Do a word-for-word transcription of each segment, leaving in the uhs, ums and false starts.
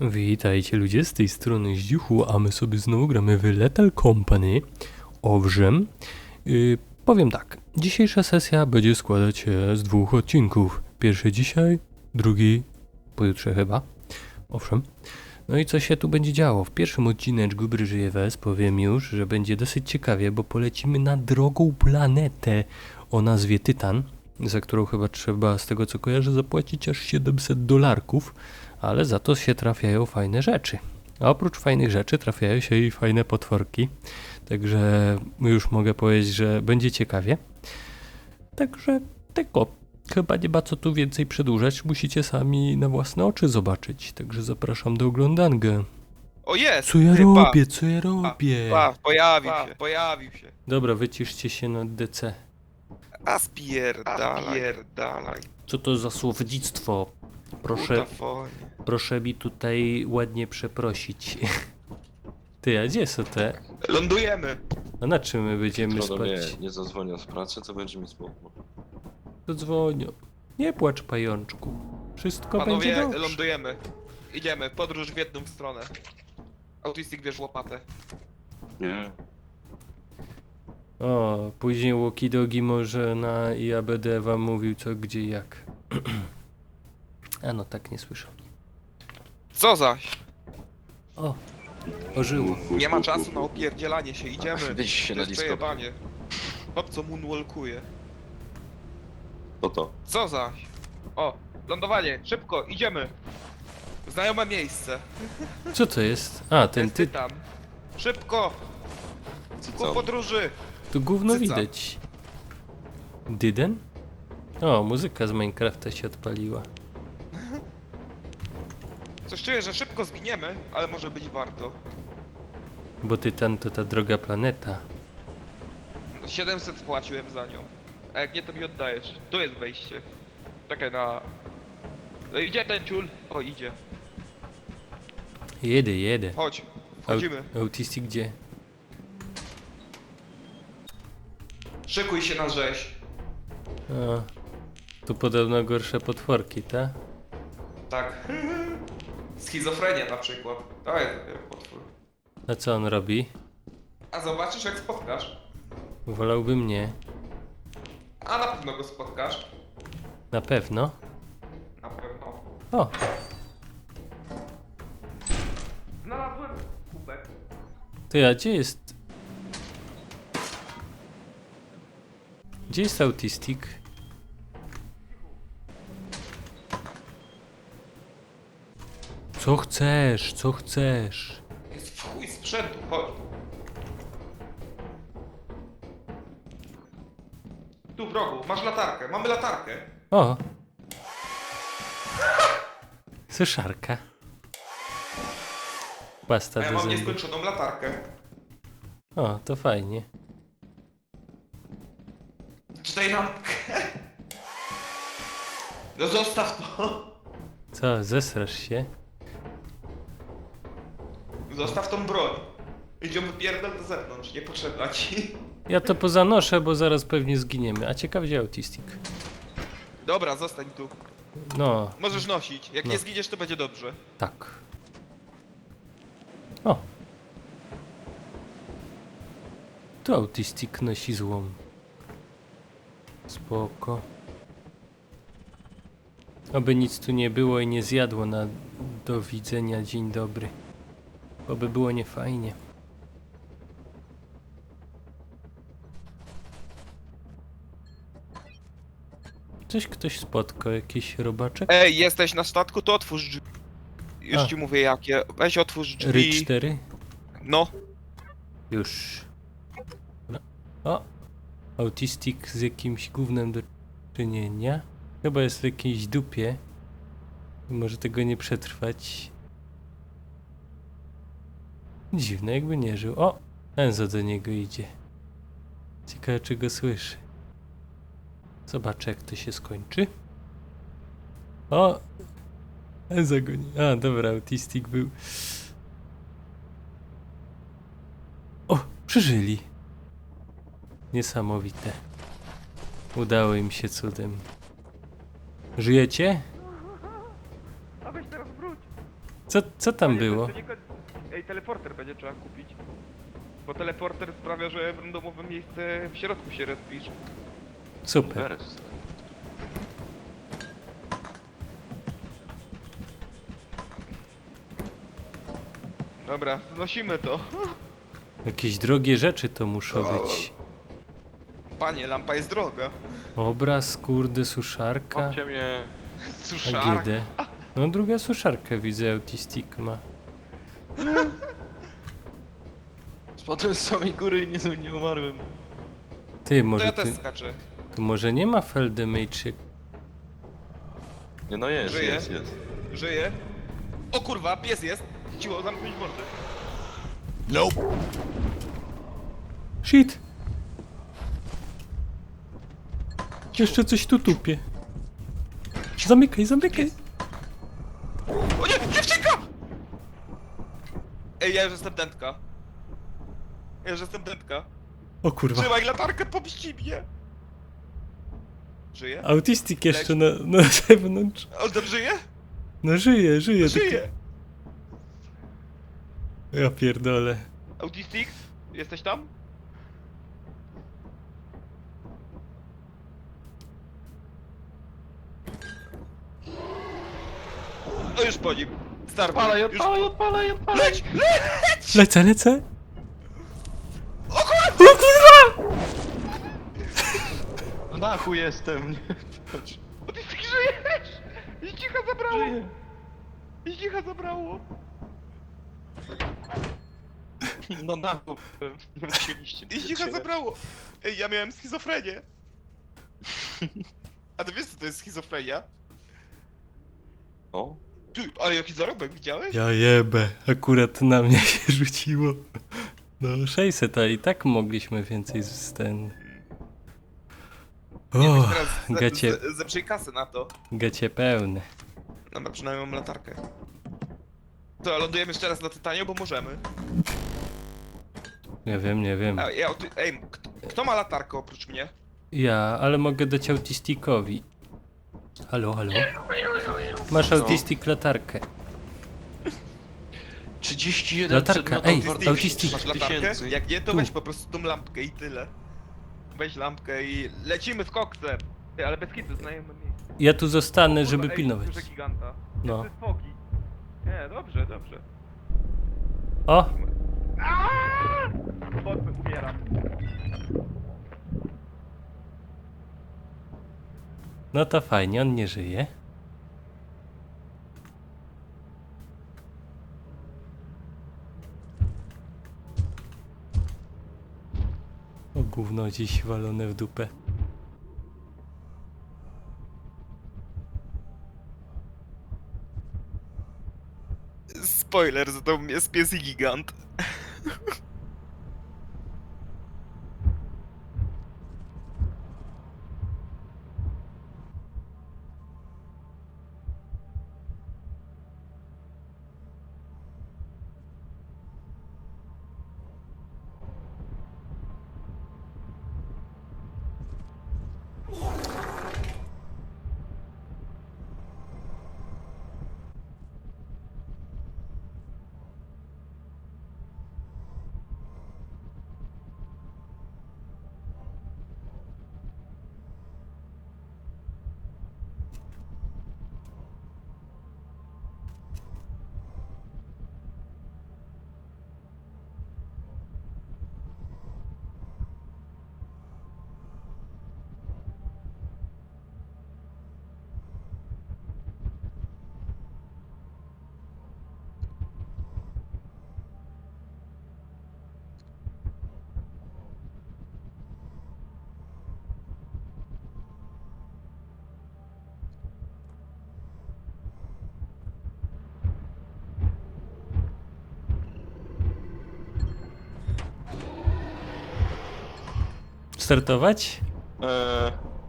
Witajcie ludzie, z tej strony Zdziuchu, a my sobie znowu gramy w Lethal Company. Owszem, yy, powiem tak, dzisiejsza sesja będzie składać się z dwóch odcinków. Pierwszy dzisiaj, drugi pojutrze chyba. Owszem. No i co się tu będzie działo? W pierwszym odcineczku Gry Żyje Wes powiem już, że będzie dosyć ciekawie, bo polecimy na drogą planetę o nazwie Tytan, za którą chyba trzeba, z tego co kojarzę, zapłacić aż siedemset dolarków, ale za to się trafiają fajne rzeczy. A oprócz fajnych rzeczy trafiają się i fajne potworki, także już mogę powiedzieć, że będzie ciekawie. Także tego, chyba nie ma co tu więcej przedłużać, musicie sami na własne oczy zobaczyć, także zapraszam do oglądania. O jest! Co ja Ty, robię, co ja robię? Pa, pa, pojawił się, pojawił się. Dobra, wyciszcie się na D C. A spierdalaj, spierdalaj. Co to za słowdzictwo? Proszę, Utafonie. proszę mi tutaj ładnie przeprosić. Ty, a gdzie są te? Lądujemy. A na czym my będziemy Jutro do mnie spać? nie zadzwonią z pracy, to będzie mi smutno. Zadzwonią. Nie płacz, pajączku. Wszystko będzie Panowie, dobrze. lądujemy. Idziemy, podróż w jedną stronę. Autistik bierz łopatę. Nie. O, później Łokidogi może na I A B D wam mówił co, gdzie i jak. A no tak, nie słyszał. Co zaś? O, ożyło. Nie ma czasu na opierdzielanie się, idziemy. Weź się To na jest Discord. przejebanie. Hop, co moonwalkuje. To to. Co zaś? O, lądowanie, szybko, idziemy. Znajome miejsce. Co to jest? A, ten Jest ty... Tytan. Szybko, ku Co? podróży. Tu gówno Cyca. widać. Dyden? O, muzyka z Minecrafta się odpaliła. Coś czuję, że szybko zginiemy, ale może być warto. Bo Tytan to ta droga planeta. siedemset płaciłem za nią. A jak nie, to mi oddajesz. Tu jest wejście. Czekaj na... No idzie ten ciul. O, idzie. Jedę, jedę. Chodź, wchodzimy. Au- Autistik gdzie? Szykuj się na rzeź. A, tu podobno gorsze potworki, tak? Tak. Schizofrenia na przykład. To jest dopiero potwór. A co on robi? A zobaczysz, jak spotkasz. Wolałby mnie. A na pewno go spotkasz. Na pewno. Na pewno. O, Znalazłem kubek. ty, a gdzie jest... Gdzie jest Autistik? Co chcesz? Co chcesz? Jest w chuj sprzętu, chodź. Tu w rogu, masz latarkę, mamy latarkę. O! Suszarka. Pasta A ja do mam zębów. nieskończoną latarkę. O, to fajnie. Czytaj lampkę. No zostaw to. Co, zesrasz się? Zostaw tą broń. Idziemy pierdol do zewnątrz, niepotrzebna ci. Ja to pozanoszę, bo zaraz pewnie zginiemy. A ciekaw gdzie Autistik. Dobra, zostań tu. No, Możesz nosić. Jak No. nie zginiesz, to będzie dobrze. tak. O! Tu Autistik nosi złom. Spoko. Oby nic tu nie było i nie zjadło na do widzenia, dzień dobry. Oby było niefajnie. Coś ktoś spotkał, jakiś robaczek? Ej, jesteś na statku, to otwórz drzwi. Już A. ci mówię jakie. Weź otwórz Ry drzwi. cztery? No. Już. No. O! Autistik z jakimś gównem do czynienia. Chyba jest w jakiejś dupie. Może tego nie przetrwać. Dziwne, jakby nie żył. O! Enzo do niego idzie. Ciekawe, czy go słyszy. Zobaczę, jak to się skończy. O! Enzo go nie... A, dobra, Autistik był... O! Przeżyli! Niesamowite. Udało im się cudem. Żyjecie? A weź teraz wróć. Co, co tam Panie, było? to nie koniec. Ej, teleporter będzie trzeba kupić. Bo teleporter sprawia, że w randomowe miejsce w środku się respisz. Super. Beres. Dobra, znosimy to. Jakieś drogie rzeczy to muszą być. Panie, lampa jest droga. Obraz, kurde, suszarka. Chodźcie mnie. A Suszarka. G D. No druga suszarkę widzę, Autistic ma. Spadłem z samej góry i nie, nie umarłem. Ty, To może ja ty, też skaczę. tu może nie ma Feldemage. Nie no jest, Żyje? jest, jest. Żyje. O kurwa, pies jest. Cicho, zamknąć mordę. Shit! Jeszcze coś tu tupie. Zamykaj, zamykaj! O nie, dziewczynka! Ej, ja już jestem dętka. Ja już jestem dętka. O kurwa. Trzymaj latarkę, pomści mnie. Żyje? Autistic jeszcze na, na zewnątrz. On tam żyje? No żyje, żyje. Żyje! Taki... Ja pierdolę. Autistic? Jesteś tam? No już po nim. Starbucks. Odpalaj, Już... odpalaj, odpalaj, odpalaj! Leć! Leć! Lecę, lecę! O kurwa! O kurwa! W dachu jestem, nie? Patrz. Autistic, żyjesz! I cicha zabrało! Żyję. I cicha zabrało! Na dachu. Nie musieliście. I cicha zabrało! Ej, ja miałem schizofrenię. A ty wiesz co to jest schizofrenia? O? Ty, ale jaki zarobek, widziałeś? Ja jebę, akurat na mnie się rzuciło. No sześćset, a i tak mogliśmy więcej z ten... Nie, O, weź teraz ze- gacie, ze- zeprzyj kasy na to. gacie pełne. Dobra, przynajmniej mam latarkę. To, lądujemy jeszcze raz na Tytanie, bo możemy. Nie wiem, nie wiem. A, ja, ty, ej, kto, kto ma latarkę oprócz mnie? Ja, ale mogę dać Autisticowi. Halo, halo? Masz Autistic latarkę. trzydzieści jeden Latarka, przedmiotów ej, wartości autistic. Masz trzy latarkę? tysięcy. Jak nie, to Tu. weź po prostu tą lampkę i tyle. Weź lampkę i lecimy z koksem. Ty, ale bez kitu, znajemy miejsce. Ja tu zostanę, Kurwa, żeby ej, pilnować. duże giganta. No. To jest fogi. Nie, dobrze, dobrze. O! Aaaa! Bocy, umieram. No to fajnie, on nie żyje. O gówno dziś walone w dupę. Spoiler, za to jest pies i gigant. Startować? Eee.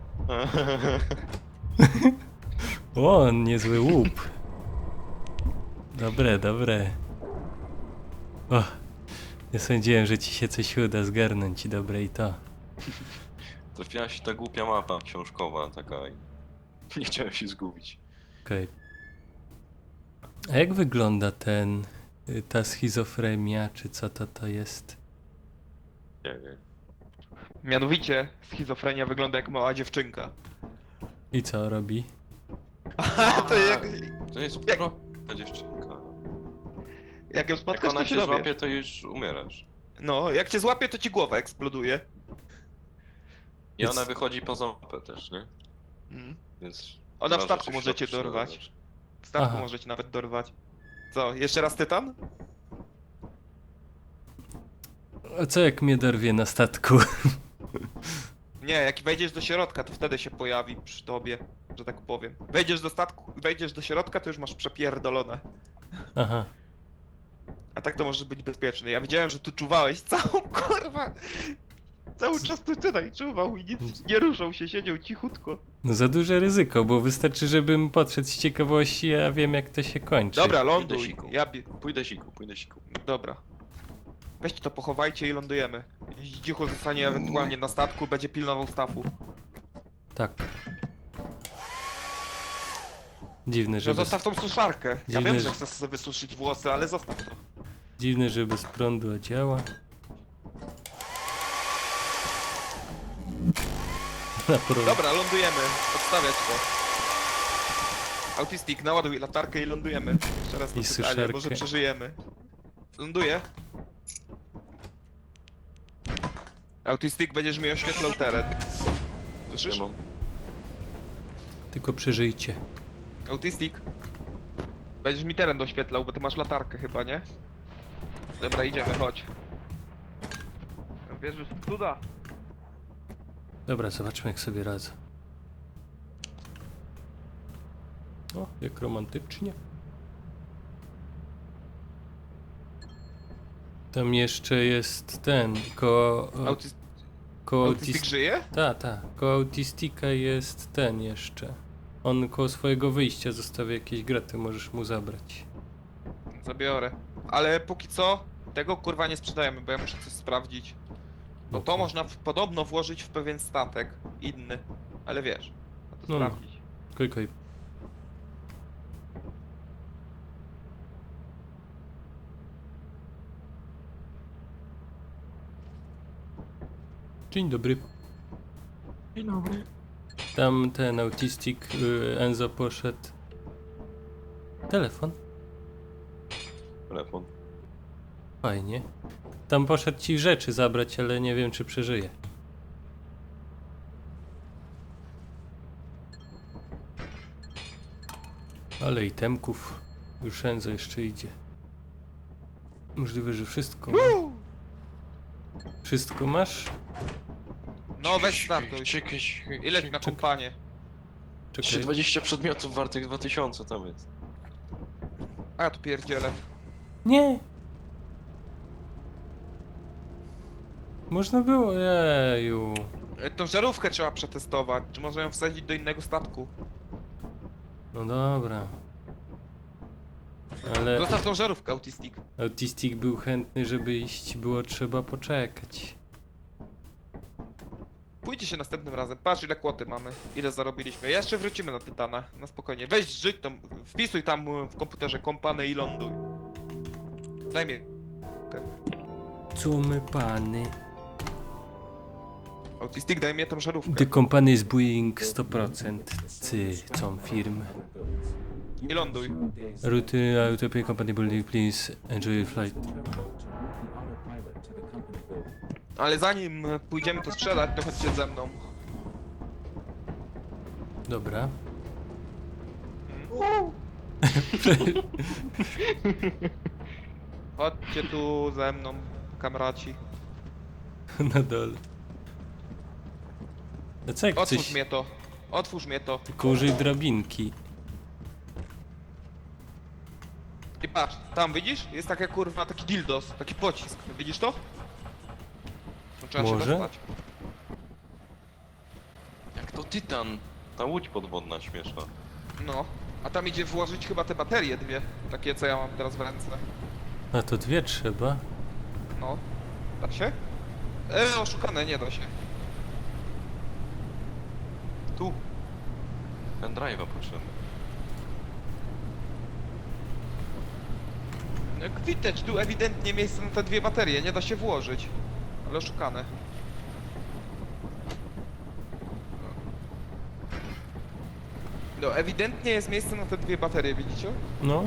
O, niezły łup. Dobre, dobre. O, nie sądziłem, że ci się coś uda zgarnąć i dobre i to. Trafiła się ta głupia mapa książkowa taka i nie chciałem się zgubić. Okej. A jak wygląda ten, y, ta schizofrenia, czy co to to jest? Nie, nie. Mianowicie schizofrenia wygląda jak mała dziewczynka. I co robi? A to jak, To jest Jak- prosta dziewczynka. jak ją Jak spotkasz, ona to się się dowiesz. złapie, to już umierasz. No, jak cię złapie, to ci głowa eksploduje. I Jest- ona wychodzi poza mapę też, nie? Mm. Więc... Ona w może statku coś możecie środku dorwać. znaleźć. W statku Aha. możecie nawet dorwać. Co, jeszcze raz tytan? A co jak mnie dorwie na statku? Nie, jak wejdziesz do środka, to wtedy się pojawi przy tobie, że tak powiem. Wejdziesz do statku, wejdziesz do środka, to już masz przepierdolone. Aha. A tak to może być bezpieczny. Ja widziałem, że tu czuwałeś całą kurwa. Cały czas tu tutaj czuwał i nic, nie ruszał się, siedział cichutko. No za duże ryzyko, bo wystarczy, żebym podszedł z ciekawości, a wiem jak to się kończy. Dobra, Pójdę ląduj. siku. Ja bie... Pójdę siku, pójdę siku. Dobra. Weźcie to, pochowajcie i lądujemy. Zdzichu zostanie ewentualnie na statku, będzie pilnował stawu. Tak. Dziwne, Że że bez, zostaw tą suszarkę. Ja Dziwne, wiem, że- że chcesz sobie wysuszyć włosy, ale zostaw to. dziwne, że bez prądu działa. Na prąd. Dobra, lądujemy. Odstawiać to. Autistik, naładuj latarkę i lądujemy. Jeszcze raz to I pytanie, suszarkę. może przeżyjemy. Ląduję. Autistik, będziesz mi oświetlał teren. Słyszysz? Nie mam. Tylko przeżyjcie. Autistik. Będziesz mi teren doświetlał, bo ty masz latarkę chyba, nie? Dobra, idziemy, chodź. Wierzysz w cuda? Dobra, zobaczmy jak sobie radzę. O, jak romantycznie. Tam jeszcze jest ten, koło... Autis koło Autistik autis- żyje? Ta, ta. Koło autistika jest ten jeszcze. On koło swojego wyjścia zostawia jakieś graty, możesz mu zabrać. Zabiorę. Ale póki co, tego kurwa nie sprzedajemy, bo ja muszę coś sprawdzić. Bo to Okej. można w, podobno włożyć w pewien statek inny. Ale wiesz, trzeba to No, no. sprawdzić. Klikaj. Dzień dobry. Dzień dobry. Tam ten autistik y, Enzo poszedł. Telefon? Telefon. Fajnie. Tam poszedł ci rzeczy zabrać, ale nie wiem czy przeżyje. Ale itemków. Już Enzo jeszcze idzie. Możliwe, że wszystko. ma. Wszystko masz? No weź startuj. Czekaj, I leć na kompanię. Jeszcze Czekaj. dwadzieścia przedmiotów wartych dwa tysiące tam jest. A ja tu pierdzielę. Nie! Można było, jeju. E, Tą żarówkę trzeba przetestować. Czy można ją wsadzić do innego statku? No dobra. Ale Zostaw tą żarówkę, autistik. autistik był chętny, żeby iść, było trzeba poczekać. Pójdzie się następnym razem. Patrz ile kłoty mamy. Ile zarobiliśmy. Jeszcze wrócimy na Tytana. Na spokojnie. Weź żyć tam. Wpisuj tam e, w komputerze kompany i ląduj. Daj mi. Co my pany? Autistik, daj mi tą żarówkę. The company is Boeing sto procent. Cy, co firmy. I ląduj. Ruty Autopay Company Building, please enjoy your flight. Ale zanim e, pójdziemy to sprzedać, to chodźcie ze mną. Dobra. Chodźcie tu ze mną, kamraci. Na dole. A co jak Otwórz coś... mnie to. Otwórz mnie to. Tylko użyj drabinki. I patrz, tam widzisz? Jest taka kurwa, taki dildos, taki pocisk. Widzisz to? To trzeba Może? się dostać. Jak to Tytan. Ta łódź podwodna śmieszna. No. A tam idzie włożyć chyba te baterie dwie. Takie co ja mam teraz w ręce. A to dwie trzeba. No. Da się? E, oszukane, nie da się. Tu. Pendrive'a potrzebny. Jak widać, tu ewidentnie miejsce na te dwie baterie, nie da się włożyć. Ale oszukane. No, ewidentnie jest miejsce na te dwie baterie, widzicie? No.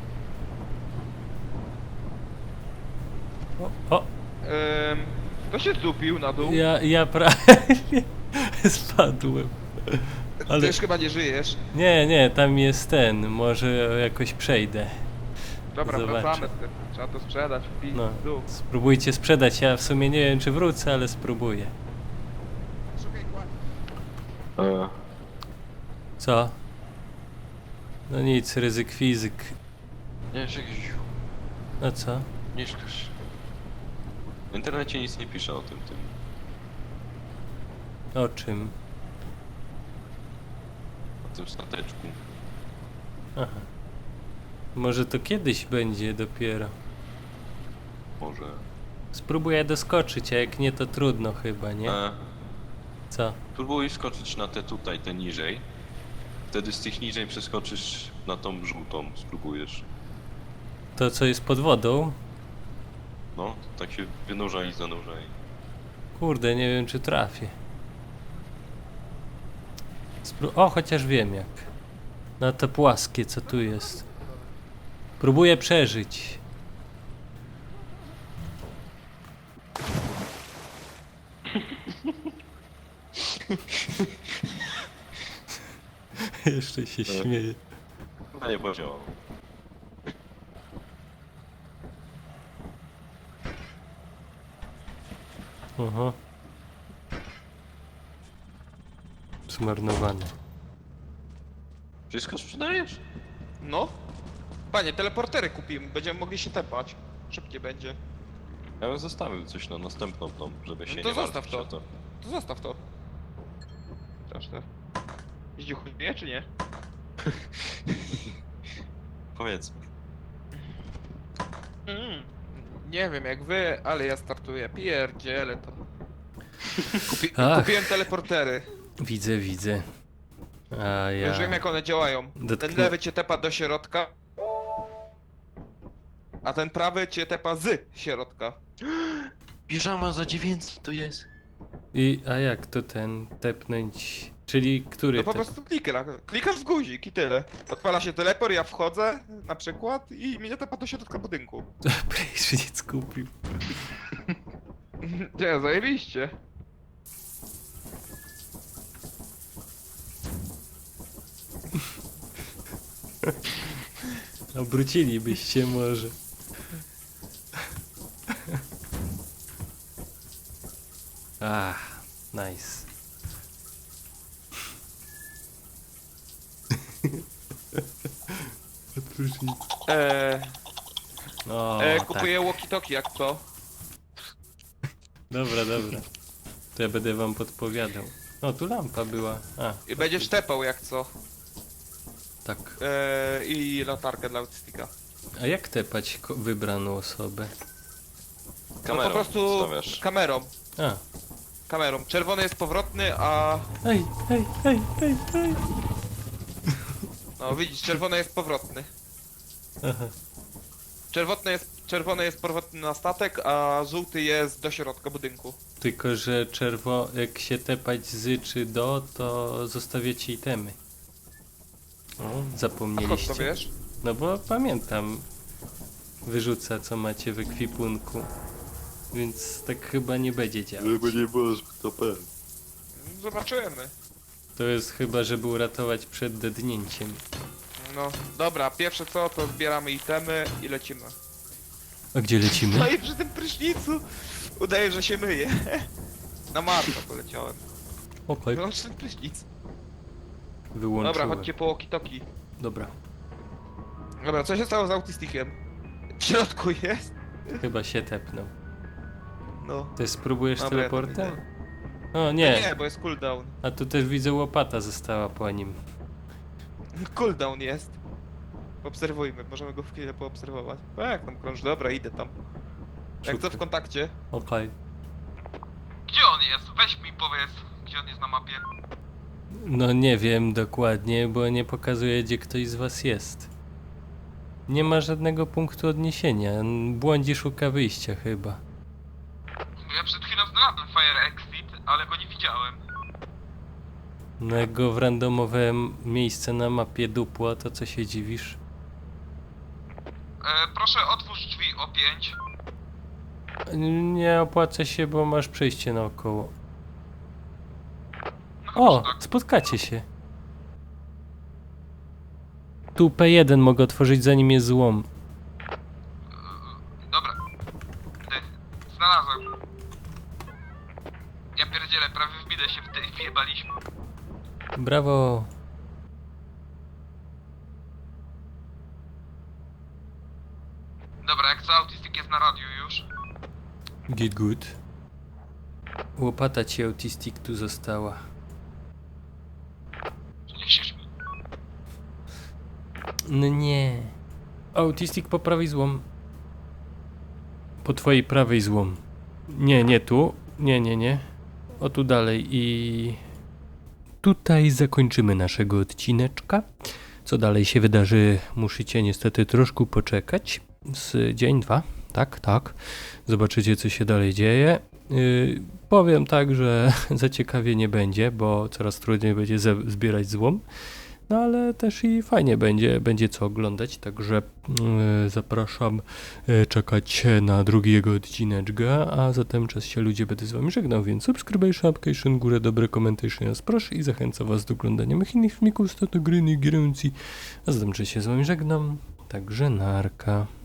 O, o, Ehm, to się zdupił na dół. ja, ja prawie spadłem. Ty Ale już chyba nie żyjesz. nie, nie, tam jest ten, może jakoś przejdę. Dobra, Zobaczę. wracamy z tym. Trzeba to sprzedać, w pizdu. No, spróbujcie sprzedać, ja w sumie nie wiem czy wrócę, ale spróbuję. Szukaj kła- E, Co? No nic, ryzyk fizyk. nie, czekaj. No co? Nie szkasz. W internecie nic nie pisze o tym, tym. O czym? O tym stateczku. Aha. Może to kiedyś będzie dopiero. Może. Spróbuję doskoczyć, a jak nie to trudno chyba, nie? E, Co? próbuj skoczyć na te tutaj, te niżej. Wtedy z tych niżej przeskoczysz na tą żółtą, spróbujesz. To co jest pod wodą? No, tak się wynurza i zanurza i... Kurde, nie wiem czy trafię. Spró o, chociaż wiem jak. Na te płaskie, co tu jest. Próbuję przeżyć. Jeszcze się śmieję. Chyba nie podziałało. Aha. Zmarnowane. Wszystko sprzedajesz? No. Panie, teleportery kupimy, będziemy mogli się tepać. Szybciej będzie. Ja bym zostawił coś na następną tą, żeby się No to nie zostaw martwić to. o to. To zostaw to. Straszne. Zdziuchuje czy nie? Powiedzmy. Mm. Nie wiem jak wy, ale ja startuję. Pierdzielę to. Kupi Ach. kupiłem teleportery. Widzę, widzę. A ja... Już wiem jak one działają. Dotknę- Ten lewy cię tepa do środka. A ten prawy cię tepa z środka. Piżama za dziewięćset to jest. I, a jak to ten tepnąć? Czyli który No po te- prostu klikasz, klikasz w guzik i tyle. Odpala się teleport, ja wchodzę na przykład i mnie tepa do środka budynku. Prejszy nie skupił. Nie, zajebiście. Obrócilibyście może. Ah, nice. Odprócznij. Eee, O, e, tak. kupuję walkie-talkie jak co. Dobra, dobra. To ja będę wam podpowiadał. O, tu lampa była. A, I będziesz tepał jak co. tak. Eee, I latarkę dla autystyka. A jak tepać ko- wybraną osobę? Kamerą no po prostu stawiasz. kamerą. A, Kamerą. Czerwony jest powrotny, a... ej, ej, ej, ej, ej. No widzisz, czerwony jest powrotny. Aha. Czerwony jest, czerwony jest powrotny na statek, a żółty jest do środka budynku. Tylko, że czerwo... jak się tepać z czy do, to zostawiacie itemy. O, A skąd zapomnieliście. to wiesz? No bo pamiętam. Wyrzuca co macie w ekwipunku. Więc tak chyba nie będzie działać. nie było to pewnie. Zobaczymy. To jest chyba, żeby uratować przed dednięciem. No, dobra, pierwsze co, to zbieramy itemy i lecimy. A gdzie lecimy? No i przy tym prysznicu udaje, że się myje. Na marno poleciałem. Okej, Wyłącz ten prysznic. wyłączyłem. Dobra, chodźcie po walkie-talkie. Dobra, Dobra, co się stało z autystykiem? W środku jest? chyba się tepnął. No. Ty spróbujesz Dobra, ja to teleportem? widzę. O Nie. nie, nie, bo jest cooldown. a tu też widzę łopata została po nim. Cooldown jest. Obserwujmy, możemy go w chwilę poobserwować. A jak tam krąż? Dobra, idę tam. Jak co w Szukaj. kontakcie? Okej. Gdzie on jest? Weź mi powiedz, gdzie on jest na mapie. No nie wiem dokładnie, bo nie pokazuje gdzie ktoś z was jest. Nie ma żadnego punktu odniesienia. Błądzi szuka wyjścia chyba. Ja przed chwilą znalazłem Fire Exit, ale go nie widziałem. No jak go w randomowe m- miejsce na mapie dupło, to co się dziwisz? E, proszę otwórz drzwi o pięć. Nie opłaca się, bo masz przejście naokoło. No O, chyba, że tak. spotkacie się. Tu P jeden mogę otworzyć zanim jest złom. Dobra. Ty, znalazłem. Ja pierdzielę, prawie wbidę się w tej wjebaliśmy. Brawo. Dobra, jak co, autystyk jest na radiu już. Get good. Łopata ci autistik tu została. Przyniesiesz mi. No nie. Autistik po prawej złom. Po twojej prawej złom. Nie, nie tu. Nie, nie, nie. O tu dalej i... Tutaj zakończymy naszego odcineczka. Co dalej się wydarzy, musicie niestety troszkę poczekać. Z dzień, dwa. Tak, tak. Zobaczycie, co się dalej dzieje. Yy, powiem tak, że za ciekawie nie będzie, bo coraz trudniej będzie ze- zbierać złom. No ale też i fajnie będzie, będzie co oglądać, także yy, zapraszam yy, czekać na drugi jego odcineczka, a zatem czas się ludzie będę z wami żegnał, więc subskrybujcie, application, górę, dobre komentarze nas proszę i zachęcam was do oglądania moich innych filmików z gry, gierencji, a zatem czas się z wami żegnam, także narka.